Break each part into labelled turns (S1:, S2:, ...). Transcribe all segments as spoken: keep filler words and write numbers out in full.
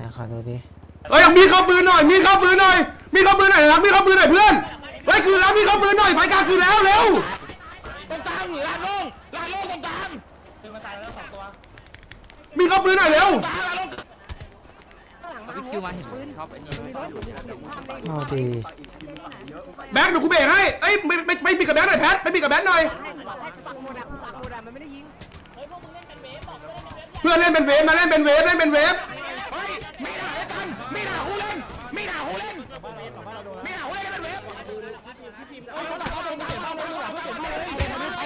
S1: ขอดูดิ
S2: เฮ้ยมีเข้าปืนหน่อยมีเข้าปืนหน่อยมีเข้าปืนหน่อยนะมีเข้าปืนหน่อยเพื่อนเฮ้ยคือแล้วมีเข้าปืนหน่อยไฟกลางคือแล้วเร็ว
S3: ตรงกลางลาดลงลาดลงตรงกลาง
S2: มีเข้าปืนหน่อยเร็ว
S4: พี่คิวมาเห็นชอบไอ้นี่
S1: เอาดี
S2: แบ็คเดี๋ยวกูเบรกให้เอ้ยไม่ไม่ไม่ปิดกับแบ็คหน่อยแพทไม่ปิดกับแบ็คหน่อยเพื่อนเล่นเป็นเวฟมาเล่นเป็นเวฟเล่นเป็นเวฟ
S3: ไม่ด่ากันไม่ด่าผู้เล่นไม่ด่าผู้เล่นไม่ด่าผู้เล่นกันเวฟเอาเขาด่าเขาโดนด่าเขาโดนด่าเขาเสียไม่เลย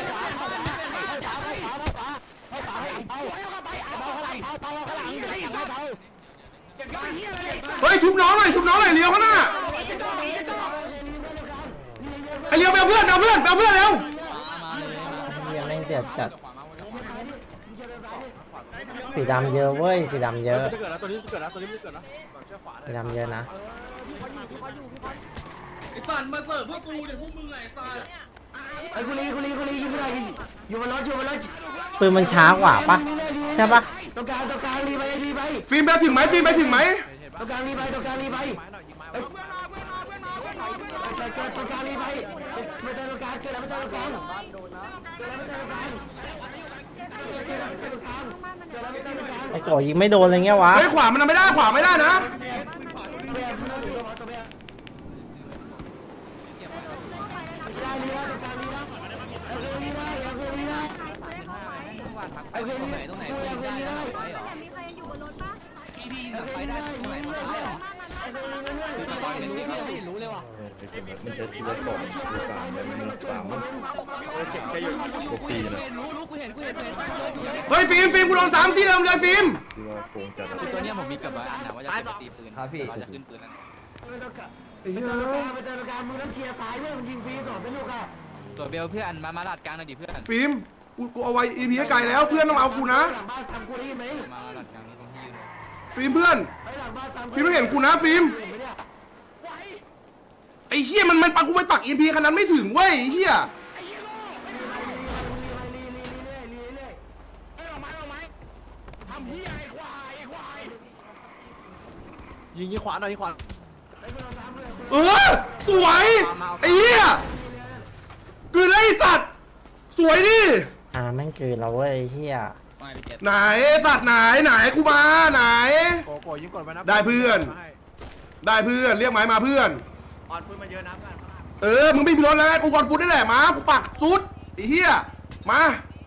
S2: เฮ้ยชุบน้องหน่อยชุบน้องหน่อยเลี้ยวข้างหน้าไอเลี้ยวไปเอาเพื่อนเอาเพื่อนเอาเพื่อนเร็ว
S1: ยังไม่เดือดจัดสีดำเยอะเว้ยสีดำเยอะ
S5: เกิดแล้วตัวนี้เกิดแล้วตัวนี้ไม่เกิดแล้ว
S1: สีดำเยอะนะ
S5: ไอ้สันมาเสิร์ฟพวกกูเดี๋ยวพวกมึงไงไอ้สัน
S3: ไอ้กุลีกุลีกุลียิงไม่ได้อยู่บนรถอยู่บนรถ
S1: ปืนมันช้ากว่าปะใช่ปะ
S3: ตรงกลางตรงกลางรีไปรีไป
S2: ฟิล์มไปถึงไหมฟิล์มไปถึงไหม
S3: ตรงกลางรีไปตรงกลางรีไปตรงกลางรีไปไม่ต้องตรงกลางเกิดแล้วไม่ต้องตรงกลางเกิดแล้วไม่ต้องตรงกลาง
S1: ไอ้โกยิงไม่โดนอะไรเงี้ยวะ
S2: เฮ้ยขวามันไม่ได้ขวาไม่ได้นะ
S4: ไอ้ตรงไหนตรงไหนตรงไหนได้ไฟเหรอมีใครอยู่บนรถปะพี่พี่ไฟได้ตรงไหนไฟเหรอคือตอนเป็นที่ไม่เห็นรู้เลยว่ะ
S6: มันใช้ทีละสองทีละสามเลยมันสามมันเก็บแค่อยู่หกสี่นะ
S4: รู้รู้กูเห็นกูเห็นเห็น
S2: เฮ้ยฟิล์มฟิล์มกูลองสามที่เดิมเลยฟิล์ม
S6: ที่ว่าโกงจัด
S4: ตัวนี้ผมมีกับอันนะว่าจะตีปืนครับพี่จะขึ้นปืนนั้น
S2: ไอ้เหี้ย
S3: ไปเจอการมือต้องเคลียร์ซ้ายเพื่อนมันยิงฟรีสองสนุกอ่ะ
S4: ตัวเบลเพื่อนมามาลาดกลางหน่อยดิเพื่อน
S2: ฟิล์มกูกูเอาไว้อีพีให้ไกลแล้วเพื่อนต้องเอากูนะ
S3: หลังบ้านซ้ำกูได้ไหม
S4: มาลาดกลางนี่ตรงที่ยืน
S2: ฟิล์มเพื่อนฟิล์มต้องเห็นกูนะฟิล์มไอ้เหี้ยมันมันปักกูไปปักอีพีขนาดไม่ถึงเว้ยเหี้ย
S5: ยิงยี่ขวาหน่อยยี่ขวา
S2: เออสวยไอ้เหี้ยคือไอ้สัตว์สวยดิ
S1: อ่าแม่งคือเราเว้ยเฮีย
S2: ไหนสัตว์ไหนไหนกูมาไหน
S5: โกโก้ยิงก่อนไปนะ
S2: ได้เพื่อนได้เพื่อนเรียกไม้มาเพื่อน
S5: ออนปืนมาเยอะนะเพื่อน
S2: เออมึงไม่พิรถแล้วกูกอนฟุตได้แหละมากูปักซุดไอ้เหี้ยมา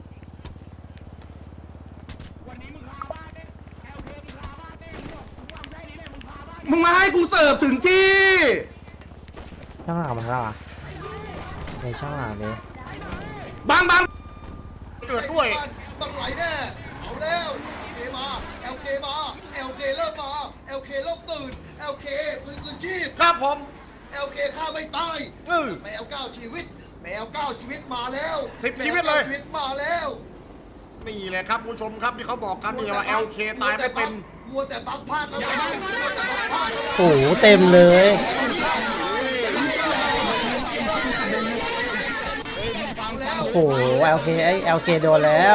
S2: มึงมาให้กูเสิร์ฟถึงที่
S1: ช่องหลังมันแล้วอ่ะในช่องหลังนี้
S2: บางบาง
S5: เกิดด้วย
S2: ต้องไหลแน่เอาแล้วเอมา แอล เค มา แอล เค เริ่มมา แอล เค เริ่มตื่น แอล เค ฟื้นคืนชีพ
S5: ครับผม
S2: แอล เค ฆ่าไม่ตายแมวเก้าชีวิตแมวเก้าชีวิตมาแล้ว
S5: สิบชีวิตเลย
S2: ชีวิตมาแล้ว
S5: นี่แหละครับผู้ชมครับที่เขาบอกกันนี่ว่า แอล เค ตายไม่เป็น
S2: มัวแต่บังพลาดแล้วมัวแต่บังพลาด
S1: โอ้โหเต็มเลยโอ้โห แอล เค ไอ้ แอล เค โดนแล้ว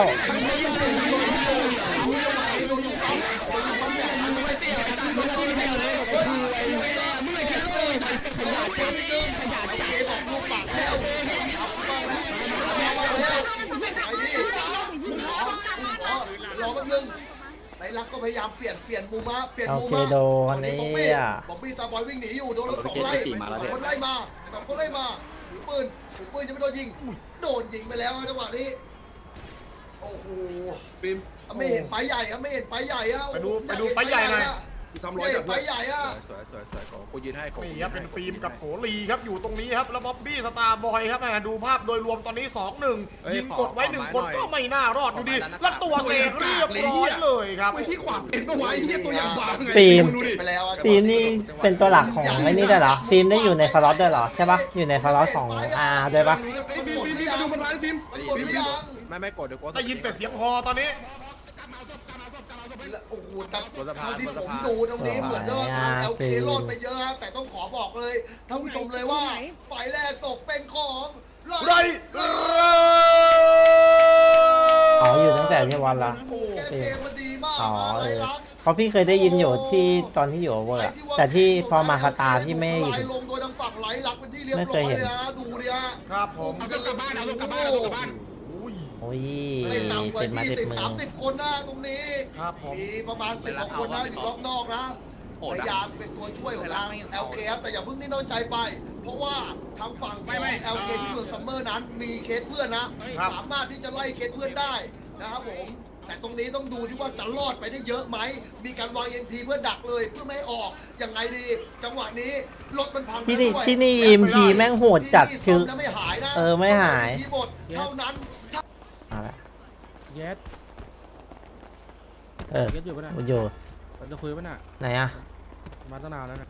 S2: รอแป๊บนึงไอ้รักก็พยายามเปลี่ยนเปลี่ยนมุมมาเปลี่ยนมุมมา
S1: โอเคโดนนี่อ่ะ
S2: บอกพี่ตาบอยวิ่งหนีอยู่โดนรถสองไล่สองคนไล่มาสองคนไล่มาถือปืนถือปืนจะไม่โดนยิงโดนยิงไปแล้วจังหวะนี้โอ้โหฟิล์มไม่เห็นไฟใหญ่อะไม่เห็นไฟใหญ่อะ
S5: ไปดูไปดูไฟใหญ่หน่อย
S2: สามร้อยไฟใหญ่อะ
S6: สวยสวยสวยของกูยืนให้ของ
S5: นี่ครับเป็นฟิล์มกับโกลีครับอยู่ตรงนี้ครับแล้วบ๊อบบี้สตาร์บอยครับดูภาพโดยรวมตอนนี้ สองหนึ่ง ยิงกดไว้หนึ่งคนก็ไม่น่ารอดอยู่ดีแล้วตัวเซฟเรียบร้อยเลยครับ
S2: ไม่ที่ขวาเป็นก็ไว้เฮียตัวอย่างบางไง
S1: ฟิล์มฟิล์มนี่เป็นตัวหลักของไอ้นี่ได้เหรอฟิล์มได้อยู่ในฟลอตด้วยเหรอใช่ปะอยู่ในฟลอตของอาร์ด้วยปะ
S5: ไม่ไม่กดเดี๋ยวกดได้ยินแต่เสียงฮอตอนนี้
S2: โอ้โหแต่ที่ผมดูตรงนี้เหมือนว่าทางแอลเครอดไปเยอะแต่ต้องขอบอกเลยท่านผู้ชมเลยว่าฝ่ายแรกตกเป็นของ
S5: ไร
S1: อ๋ออยู่ตั้งแต่ที่วันละ
S2: เกมมันดีมาก
S1: อ๋อ
S2: ไรลัก
S1: เพราะพี่เคยได้ยินอยู่ที่ตอนที่อยู่โอเวอร์อะแต่ที่พอมาสตาร์พี่ไม่ได้ยิน
S2: ลงโดยทางฝั่งไหลหลักเป็นที่เรียบ
S1: ไม่
S2: ร้
S1: เค
S2: อย ย
S1: เห็น
S2: เลยฮะดูดิฮะ
S5: ครับผม
S3: เอากลับบ้านเอากลับบ้านเอากลับบ้าน
S5: อุ้ย
S1: โอ้ย
S2: ไม่ต่ำกว่า
S1: ติดมา
S2: ยี่
S1: ติด
S2: สิบ
S1: มือ
S2: สามสิบคนนะตรงนี้
S5: ครับผม
S2: มีประมาณสิบกว่าคนนะอยู่รอบนอกนะพยายามเป็นตัวช่วยของทาง แอล เค ครับแต่อย่าเพิ่งนิ่งนอนใจไป เพราะว่าทางฝั่งของ แอล เค ที่เมืองซัมเมอร์นั้นมีเคสเพื่อนนะ
S5: ครับ
S2: สามารถที่จะไล่เคสเพื่อนได้นะครับผม แต่ตรงนี้ต้องดูที่ว่าจะรอดไปได้เยอะไหม มีการวาง เอ็น พี เพื่อดักเลยเพื่อไม่ให้ออกยังไงดี จังหวะนี้รถมันพัง
S1: ที่นี่
S2: ด้วย
S1: ที่นี่ อี เอ็ม พี แม่งโหดจัด
S2: ที่
S1: คือ
S2: ซ่มนะไม่หายนะ
S1: เออไม่หาย
S2: ที่หมดเท่านั้น
S1: เอาละ
S7: เยส
S1: เออ
S7: เยสอยู่ปะเนี่ย
S1: อยู่
S7: เราจะคุยปะเนี่ย
S1: ไหนอะ
S7: มาตั้งนานแล้วเนี่ย